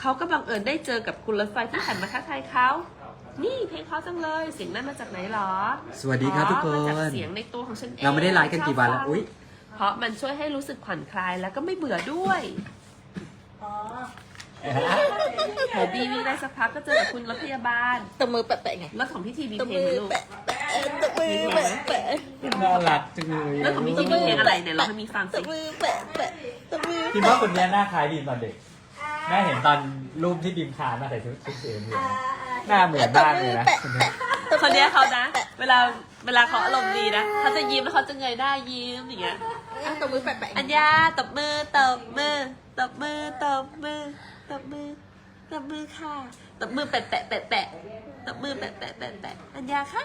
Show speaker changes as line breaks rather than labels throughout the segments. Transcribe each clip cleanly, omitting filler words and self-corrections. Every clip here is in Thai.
เขาก็บังเอิญได้เจอกับคุณรถไฟที่หันมาทักทายเขานี่เพลงเขาจังเลยเสียงนั้นมาจากไหนหรอ
สวัสดีครับทุกคน
มาจากเสียงในตัวของฉันเอง
เราไม่ได้ไลฟ์กันกี่วันแล้วอุ๊ย
เพราะมันช่วยให้รู้สึกผ่อนคลายแล้วก็ไม่เบื่อด้วยโหบีวิ่งได้สักพักก็เจอกับคุณรถพยาบาล
ตบมือแปะๆไง
รถของพี่ทีมี
ตบ
เพล
มื
ง
อ
ไหมลูก
แปะตบมือแปะ
น่ารักจังเลย
รถของพี่ทีมีเพลงอะไรเนี่ยเราให้มีฟัง
ต
สิ
บมือแปะตบมือ
คิดว่าคนนี้หน้าคล้ายบีมตอนเด็กแม่เห็นตอนรูปที่บีมคานมาใส่ชุดสีเหลืองหน้าเหมือนมากเลยนะ
คนเนี้ยเขานะ เวลาเขาอารมณ์ดีนะเขาจะยิ้มแล้วเขาจะเงยหน้ายิ้มอย่างเงี้ย
ตบมือแปะ
อัญญาตบมือตบมือตบมือตบมือตบมือตบมือค่ะตบมือแปะแปะแปะแปะตบมือแปะแปะแปะแปะอัญญาคะ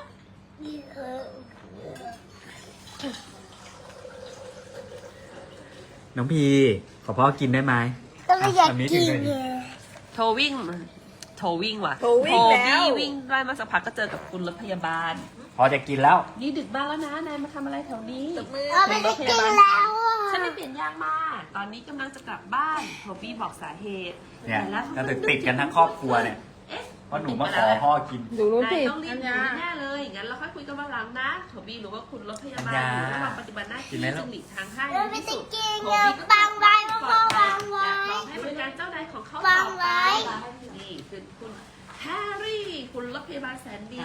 น้องพีขอพ่อกินได้ไหม
ก็ไม่อยากกิน
โทรวิ่งว่ะ
โทรวิ่งแล้ว
บี้วิ่งได้มาสักพักก็เจอกับคุณรถพยาบาล
พอจะกินแล้ว
นี่ดึกมากแล้วนะนายมาทำอะไรแถวนี้
ตบมือ
ไม่ได้กินแล้วอ่ะ
ฉันไม่เปลี่ยนยางมาตอนนี้กำลังจะกลับบ้านโทบี้บอกสาเหตุ
เนี่ย
แต่แล้ว
จะติดกันทั้งครอบครัวเนี่ย
เอ๊ะ
เพราะหนูมาขอพ่อกิน
ดูรูป
นาย
สิ
ต้องรีบอยู่แน่ๆเลยงั้นเราค่อยคุยกันวันหลังนะโทบี้รู้ว่าคุณรถพยาบาลอยู่ระหว่างปฏิบัติหน้า
กิ
ที่
นไหมลูก
จึงหลีกทางให้
เราไม่ได้กิน
โท
อย่า
บี้ก็
บังไว้พ่อวางไว้
อยากลองให้บริการเจ้านายของเขา
วา
ต่อง ไป
ไว้
นี่คือคุณแฮร์รี่คุณรถพยาบาลแสนดี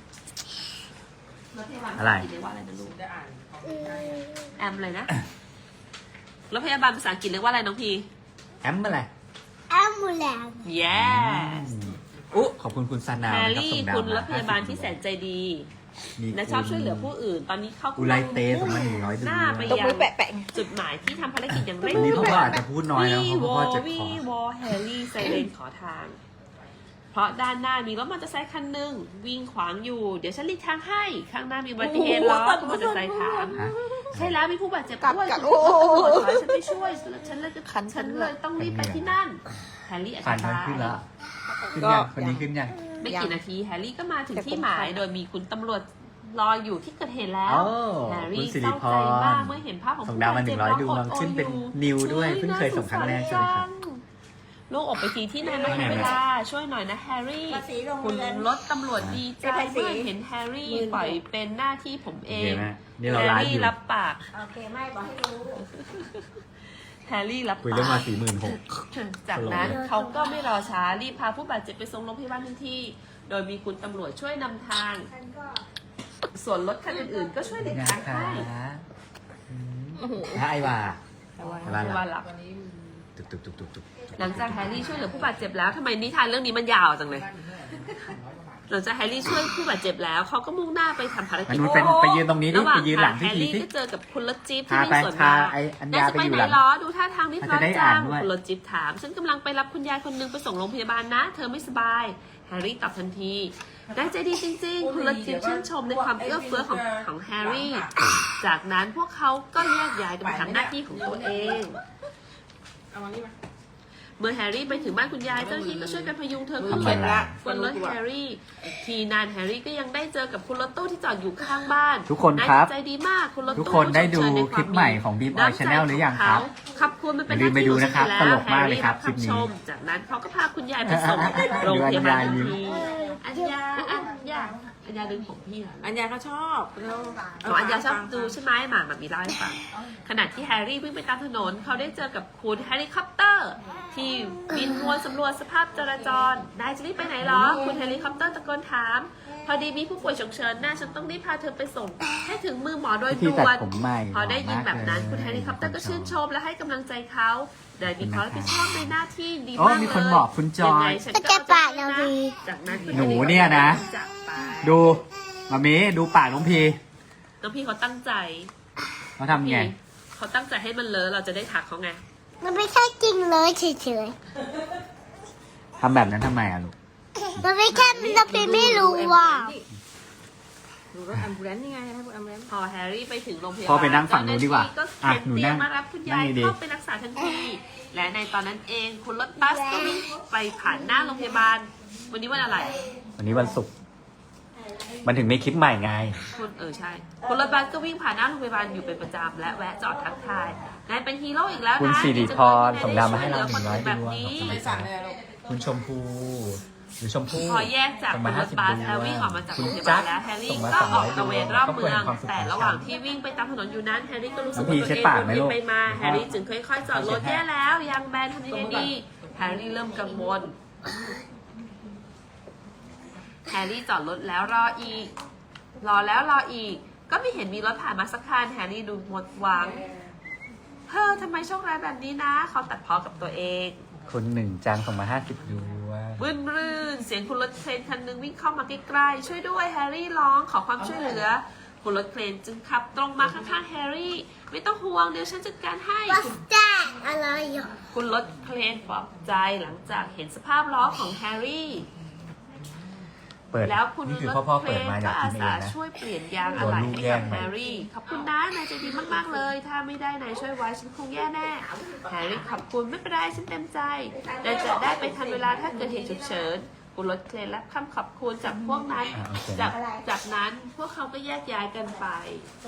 รถพยาบาล
อะไร
เรียกว่าอะไรนะลูกแอมเลยนะรถพยาบาลภาษาอังกฤษเรียกว่าอะไรน้องพี
แอมอะไร
แอมบูแลน
yes
อุ๊ขอบคุณคุณซานา
แฮ
นะ
ร์
ครับ
รี่
ส่งดาว
คุณร
มา
ถพยาบาลที่แสนใจดี
มี
และชอบช่วยเหลือผู้อื่น ตอนนี้เขา
อุไรเตส่งมา100
หน้าไป
ตบ
ยั
มือง แปะไง
จุดหมายที่ทำภารกิจอย่างเร่ง
วันนี้
ด่
พ่
ว
อน อาจจะพูดน้อยแล้วเพราะพ่อเจ็บคอ
วอแฮร์รี่ไซเรนขอทาง เพราะด้านหน้ามีรถมอเตอร์ไซค์คันหนึ่งวิ่งขวางอยู่ เดี๋ยวฉันหลีกทางให้ ข้างหน้ามีอุบัติเหตุล้อคุณมอเตอร์ไซค์ถาม
ฮะ
ใช่แล้วมีผู้บาดเจ็บด้วย
กัด
คุณตำรวจขอให้ฉันไปช่วยฉันเลยจะ
คันฉั
ฉั
น
น
ด้
เล
วย
ยต้องรีบไปที่นั่นแฮร์รี่อ
ผ่าน
ธิ
ทาง
บาย
ขึ้นแล้วขึ้นยังคนนี้ขึ้นยัง
ไม่กี่นาทีแฮร์รี่ก็มาถึงที่หมายโดยมีคุณตำรวจรออยู่ที่เกิดเหตุแล้ว
โอ้
แฮร์
คุ
รี่
ณสิ
เศ
ริ
ร้า
พ
ใจ
ร
มากเมื่อเห็นภาพของ
ส่งดาวมา
ผู้บด
100
เจ็บ
ดวง
ร้อ
ขึ้นเป็น
โอด
นิวด้วย
ฮ้
เพิ่งเคยส่งครั้งแรกใช่ไหมครับ
โล่งอกไปทีที่นายมาให้เวลาช่วยหน่อยนะแฮร์รี่
ภาษีโรง
คุณ
เรียน
รถตำรวจดีใจ
ภาษี
เมื่อเห็นแฮร์รี่ปล่อยเป็นหน้าที่ผมเอ
โอเค
ง
ไหมนี่เรา
แฮ
ไล
ร์
ฟ์
รี่
อยู่
รับปาก
โอเคไม่บอกให้รู้
แฮร์รี่รับ
คุย
ปา
เรื่อง
ก
มา 46,000
จากนั้นเขาก็ไม่รอช้ารีบพาผู้บาดเจ็บไปส่งโรงพยาบาลทันทีโดยมีคุณตำรวจช่วยนำทาง ส่วนรถคันอื่นๆก็ช่วยหลีก
นะ
ทาง
คะ
ให้
ไอวา
ว่าหลับ
ตุกตุกตุกตุกตุก
หลังจากแฮร์รี่ช่วยเหลือผู้บาดเจ็บแล้วทำไมนิทานเรื่องนี้มันยาวจังเลยหลังจากแฮร์รี่ช่วยผู้บาดเจ็บแล้วเขาก็มุ่งหน้าไปทำภาร
มัน
กิจ
เป็นไปยืนตรงนี้ดิ
ระหว่าง
ไปยืนหลัง
ทางแฮ
พี่
ร์
ที
รี่
สิ
ก็เจอกับคุณรถจี๊ปที่
พา
วิ่ง
ไป
สวน
พา
มา
ไอ้อัญ
น่า
ญา
จะ
ไป
ไป
อยู่
ไหน
หลัง
ล้อดูท่าทางรีบ
มัน
ร้อ
จะ
น
ได้
จั
อ่าน
ง
ด้วย
คุณรถจี๊ปถามฉันกำลังไปรับคุณยายคนนึงไปส่งโรงพยาบาลนะ เธอไม่สบายแฮร์รี่ตอบทันทีได้ใจดีจริงๆ คุณรถจี๊ปชื่นชมในความเอื้อเฟื้อของแฮร์รี่ จากนั้นพวกเขาก็แยกย้ายกันไปทำหน้าที่ของตัวเอง
เอามานี่มา
เมื่อแฮร์รี่ไปถึงบ้านคุณยายเจ้าหน้าที่ก็ช่วยกันพยุงเธอขึ้น
ทำไมล่ะ
บนรถแฮร์รี่ ทีนานแฮร์รี่ก็ยังได้เจอกับคุณรถตู้ที่จอดอยู่ข้างบ้าน
ทุกคนครับ
ายจิตใจดีมากคุณรถตู้
ทุกคนได้ดู
ชมเชยใน
คลิปใหม่ของ Beam Oil
น้ำใจ
Channel หรือยังครับ
ขอบคุณมันเป็นห
อย่าลืมไปดูนะครับ
หาที่ของฉั
ตลกมากเลยครับ
แฮร์
คลิปนี้
ชมจากนั้นเขาก็พาคุณยายไปส่งโรงพยาบาลทันทีอัญญาดึงผมพี่เหรอ
อัญญาเขาชอบเรา
อ๋ออัญญาชอบดูใช่ไหมหมาแบบมีเล่าให้ฟังขณะที่แฮร์รี่วิ่งไปตามถนนเขาได้เจอกับคุณเฮลิคอปเตอร์ ที่บินวนสำรวจสภาพจราจรนายจะรีบไปไหนเหรอ คุณเฮลิคอปเตอร์ตะโกนถาม พอดีมีผู้ป่วยฉุกเฉินน่าฉันต้องรีบพาเธอไปส่ง ให้ถึงมือหมอโดย
ที่
ด่
ตั
ว
ด
น
ผมใหม่
พอได้ยินแบบนั้น
หล่อมากเลย
คุณเฮลิคอปเตอร์ก็ชื่นชมและให้กำลังใจเขาโดยมีความรับผิดชอบในหน้าที่ดี
โอ้
มากเลย
มีคนบอกคุณจอย
งไงฉัน
ก็
ก็
จะปากเราดี
จากนั้นคุณ
หนูเนี่ยนะ
จากไป
ดูมามีดูปากน้องพี
น้องพี่เขาตั้งใจ
เขาทำไง
เขาตั้งใจให้มันเลอะเราจะได้ทักเขาไง
มันไม่ใช่จริงเลยเฉย
ทำแบบนั้นทำไมอะลูก
ๆมันไม่ใช่มันเป็นไม่รู้ว่า
ดูรถแอมบูเลนซ์นี่ไงให้พวกแอมบูเลนซ์
พอแฮร์รี่ไปถึงโรงพยาบาล
พอไปนั่งฝั่งนู้นดีกว่า
ก็
อ่ะ
เข็น
หนู
เตี
นั่
ยง
ง
มารับคุณยาย
นั่งดีๆ
เข้าไปรักษาทันที และในตอนนั้นเองคุณรถบัสก็วิ่งไปผ่านหน้าโรงพยาบาล วันนี้วันอะไร
วันนี้วันศุกร์มันถึงมีคลิปใหม่ไง
คุณใช่ คุณรถบัสก็วิ่งผ่านหน้าโรงพยาบาลอยู่เป็นประจำและแวะจอดทักทายนายเป็นฮีโร่อีกแล้วนะ
คุณสิริพร
ดีจังเลย
ส่งดาวมาให้เรา
ที่ได้ช่วยเหลือคนอื่น
100
แบบนี้
ดวง
ไม่สั่งเลยลูก
คุณชมพูหรือชมพู่
พอแยกจาก
ส่ง
คุ
มา
ณรถ
50
บัส
ดว
แล้ววิ่งออกมาจาก
คุ
โร
ณ
งพยา
จั
บาก ลแล้วแฮร์รี่
ส่งมา
ก็ออก
200
ตระเวนรอบเมือง
ครอบครัว
แต่
แห่งความสุข
ระหว่างที่วิ่งไปตามถนนอยู่นั้นแฮร์รี่ก็รู้สึก
น้องพี
ว่าตัว
เช็ด
เอง
ปาก
ห
ไหม
มุน
ลูก
ไปมาแฮร์รี่จึงค่อยๆจอดรถ
เช็ดให้
แย่แล้วยังแบนทำยังไงดีแฮร์รี่เริ่มกังวลแฮร์รี่จอดรถแล้วรออีก รอแล้วรออีก ก็ไม่เห็นมีรถผ่านมาสักคันแฮร์รี่ดูหมดหวังเฮ้อทำไมโชคร้ายแบบนี้นะเขาตัดพ้อกับตัวเอง
คุณหนึ่งจังส่งมา50ดวง
รื่นรื่นเสียงคุณรถเครนคันหนึงวิ่งเข้ามาใกล้ๆช่วยด้วยแฮร์รี่ร้องขอความช่วยเหลือคุณรถเครนจึงขับตรงมาข้างๆแฮร์รี่ไม่ต้องห่วงเดี๋ยวฉันจัดการให้
What's that อะไรอ่ะ
คุณรถเครนปลอบใจหลังจากเห็นสภาพล้อของแฮร์รี่
เปิด
แล้วคุณ
นี่คือ
รถ
พ่อ
เคร
เปิด
น
มาอ
ก็
ยาก
อา
กินเอ
สาง
นะ
ช่วยเปลี่ยนยางอะไหล่
โดนลูก
ให้
แย่
กับ
ง
แฮร์รี่ขอบคุณนะนายใจดีมากๆเลย ถ้าไม่ได้นายช่วยไว้ฉันคงแย่แน่แฮร์รี่ขอบคุณไม่เป็นไรฉันเต็มใจนายจะได้ไปทันเวลาถ้าเกิดเหตุฉุกเฉินคุณรถเครนรับคำขอบคุณจากพวกนั้น
โอเค
จากนั้นพวกเขาก็แยกย้ายกันไป